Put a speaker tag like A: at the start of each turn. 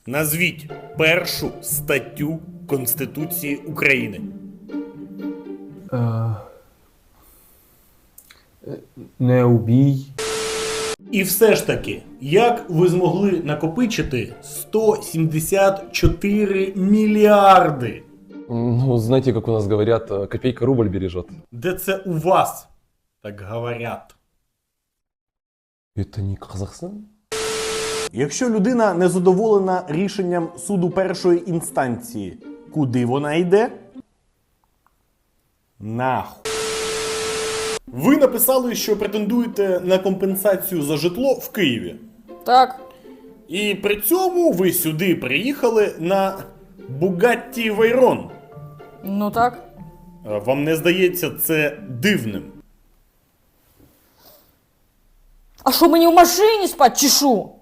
A: Назвіть першу статтю Конституції України.
B: Не убій.
A: І все ж таки, як ви змогли накопичити 174 мільярди?
C: Ну, знаете, как у нас говорят, копейка рубль бережет.
A: Де це у вас так говорять?
C: Это не Казахстан?
A: Якщо людина не задоволена рішенням суду першої інстанції, куди вона йде? Нахуй. Ви написали, що претендуєте на компенсацію за житло в Києві.
D: Так.
A: І при цьому ви сюди приїхали на Bugatti Veyron.
D: Ну так.
A: Вам не здається це дивним?
D: А що, мені в машині спать чи що?